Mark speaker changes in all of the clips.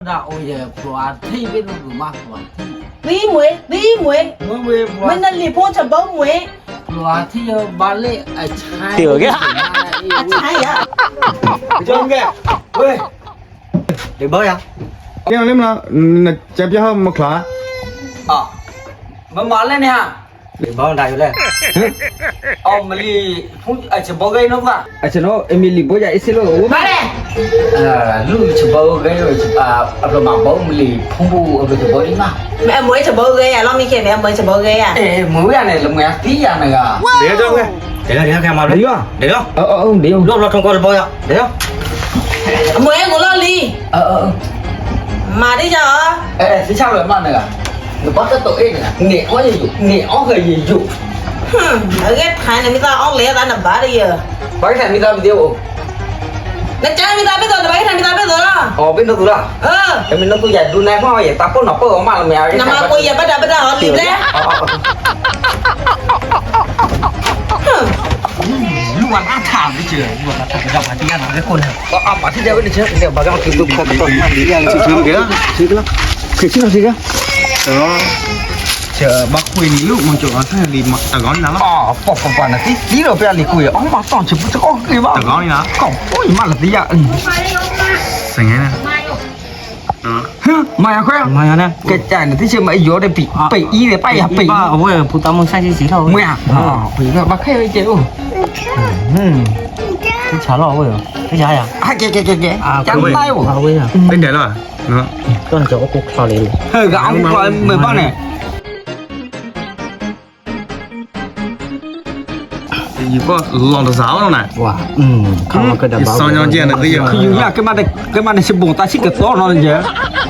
Speaker 1: đã ôi giờ phá thi bên nó cũng mắc phá
Speaker 2: tí muối mình là lì phong chả bông muối
Speaker 1: phá thi ba lệ ở chai
Speaker 3: Tiểu cái
Speaker 2: chai à
Speaker 4: Trông kìa. Ôi.
Speaker 3: để bơi à
Speaker 4: Cái nào là chép cho hơn một khóa.
Speaker 1: mà mở lên nè hả
Speaker 3: để bơi đại lên
Speaker 1: mà đi phun ở chỗ bao gây nó cả
Speaker 4: Nó Emily bố dạy xin lỗi.
Speaker 2: ba đây
Speaker 1: lúc chỗ bao gây rồi ở mà bao mình đi phun bu ở chỗ bao đi mà
Speaker 2: mẹ muối chả bông ghê à lo mi kia mẹ muối chả bông ghê à
Speaker 1: mới này là mẹ tí à này à
Speaker 4: Để cho nghe.
Speaker 3: để cái mà
Speaker 4: Đi à?
Speaker 3: để đó
Speaker 4: Đi không?
Speaker 3: lúc nó không có bơi à để đó
Speaker 2: muối em cũng lo lì mà đi chờ
Speaker 1: thế sao lại mà này à nó bắt cái tội này nghệ ó gì dụ nghệ ó người gì dụ
Speaker 2: ở ghét hai này mi ta ong lẽ ta nằm bá đi giờ
Speaker 1: bấy thằng mình ta bị tiêu
Speaker 2: nó trái mi ta biết rồi bấy thằng mi ta biết rồi đó
Speaker 1: bên đâu tôi là mình nó tôi dạy đun này có vậy ta có nó có mà là mèo
Speaker 2: nằm mà quay giờ bắt đầu họ lì đấy
Speaker 1: lúc ăn thảm đi chưa
Speaker 3: nhưng mà thằng dòng mà đi ăn cái con này
Speaker 1: mà thích đeo đi chứ đeo bà cái kiểu tôi không có
Speaker 4: Đi ăn chứ kìa. Chứ cái đó. Cái chứ nào gì kìa. Đó. Chờ bác Quỳnh lúc mà chỗ nó thay lì mặt tà gón nào lắm.
Speaker 1: bỏ là tí rồi bây giờ quỳ ông mà toàn chụp cho con kia mà
Speaker 4: Tà gón đi nào.
Speaker 1: cổng ôi mà là tí à
Speaker 4: Sành nghe nè.
Speaker 1: mày khoe
Speaker 3: mày nè
Speaker 1: cái chả này tí chưa mày vô đây bị ý để bay à bị
Speaker 3: ba ông ơi phụ tao muốn sai gì thôi
Speaker 1: mày à bị là bác khe chứ
Speaker 3: cái chả lo ơi cái chả à
Speaker 1: kìa chẳng tay của
Speaker 3: bây giờ
Speaker 4: Đến đấy rồi. Đó.
Speaker 3: con chỗ cục sao liền
Speaker 1: hơi gạo coi mười bao này
Speaker 4: Thì có lòng tà giáo đâu này.
Speaker 3: wow không có đảm bảo
Speaker 4: Sao nhau chuyện này bây giờ.
Speaker 1: khi dùng nha cái mặt này sẽ bùng ta xích cái to nó lên chứ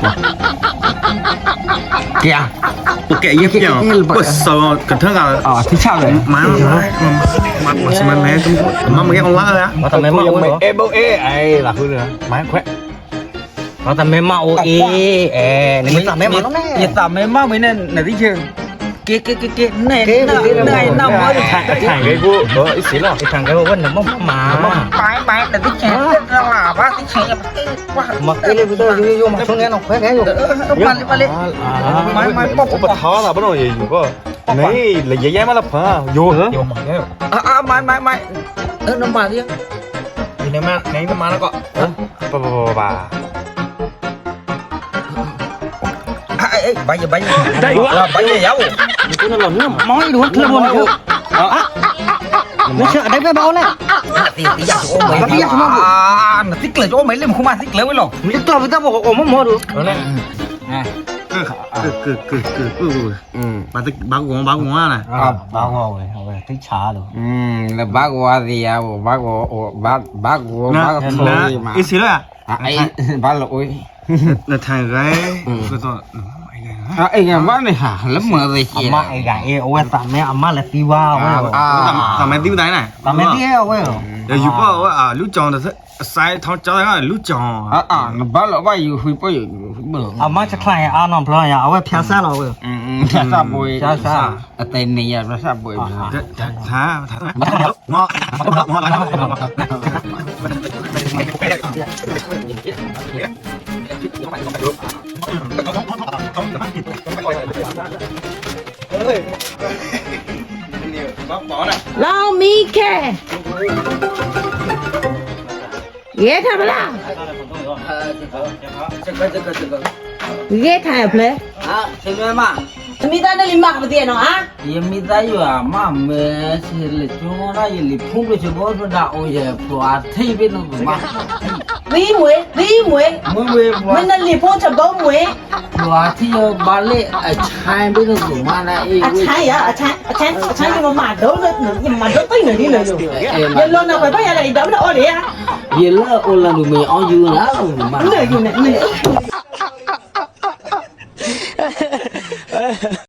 Speaker 1: kìa
Speaker 4: Ok, ये क्या? Bớt sao cẩn thận à?
Speaker 1: thì sao vậy
Speaker 4: Má xin mẹ má mấy con lá rồi á.
Speaker 3: mà tao mẹ mau
Speaker 4: Ê bố ê ai là hư rồi. Má khỏe.
Speaker 3: mà tao mẹ mau này tao mẹ mau nó nè
Speaker 1: giờ tao mới mau mới nên là tí chưa cái này này nó mới được thằng
Speaker 4: Thằng cái cô ít xíu rồi.
Speaker 3: cái thằng cái vấn là mà
Speaker 1: bái là tí chè nó là bác tí chè
Speaker 3: mà cái này tôi vô mà xuống nghe nó khỏe cái rồi
Speaker 1: mày
Speaker 4: Ủa bà thó là bắt đầu gì có. Này là dễ dãi má lập hả? Vô hả?
Speaker 3: vô mà cái
Speaker 1: mày nó mà đi
Speaker 4: Thì này nó má nó có. Bà.
Speaker 1: bây giờ
Speaker 3: đây
Speaker 1: bây giờ giấu
Speaker 3: cái nó lỏng nó mói đúng không luôn rồi nó sợ đấy với bao này
Speaker 1: tí giờ ôm mày nó thích lời chỗ mấy lên mà không ai thích lời với lòng
Speaker 3: cái to với tao bảo ôm mò được
Speaker 4: Bà ngó này.
Speaker 3: bao ngồi thích chả được
Speaker 1: là bác qua gì à bác thôi mà
Speaker 4: Ít xíu rồi à?
Speaker 1: ấy bác lỗi
Speaker 4: Là thằng gái.
Speaker 1: anh em bác này hả lắm mà gì chị
Speaker 3: mà ai gái ôi tao mẹ amma là ti wow
Speaker 4: Tao mày tiêu đấy này.
Speaker 3: tao mẹ ti ôi
Speaker 4: Giờ dù có lúc chọn là sai thao cho nó lúc chọn.
Speaker 1: nó bác lỗi bao nhiêu huy bao nhiêu bữa
Speaker 3: amma chắc là ăn non play à ôi phia xa rồi
Speaker 1: sa bùi sa tên này là sa bùi
Speaker 4: Thả.
Speaker 2: lo mi kia ghét thằng là ghét thằng play
Speaker 1: xem mà
Speaker 2: mi ta nó lì mặc tiền nó á
Speaker 1: mi ta yêu à mà mẹ sẽ lấy cho nó yêu phun cho bố nó đã ôi giờ phá thi bên nó cũng mắc
Speaker 2: tí muối mình là lì phong chả bông muối
Speaker 1: phá thi ba lệ ở chai bên nó cũng mà này
Speaker 2: chai nhưng mà đấu nữa nhưng mà đấu tới nữa đi nữa rồi giờ luôn nào phải bây giờ này đấu đâu đi á
Speaker 1: giờ là ôn là người mày ăn dưa nữa mà
Speaker 2: nữa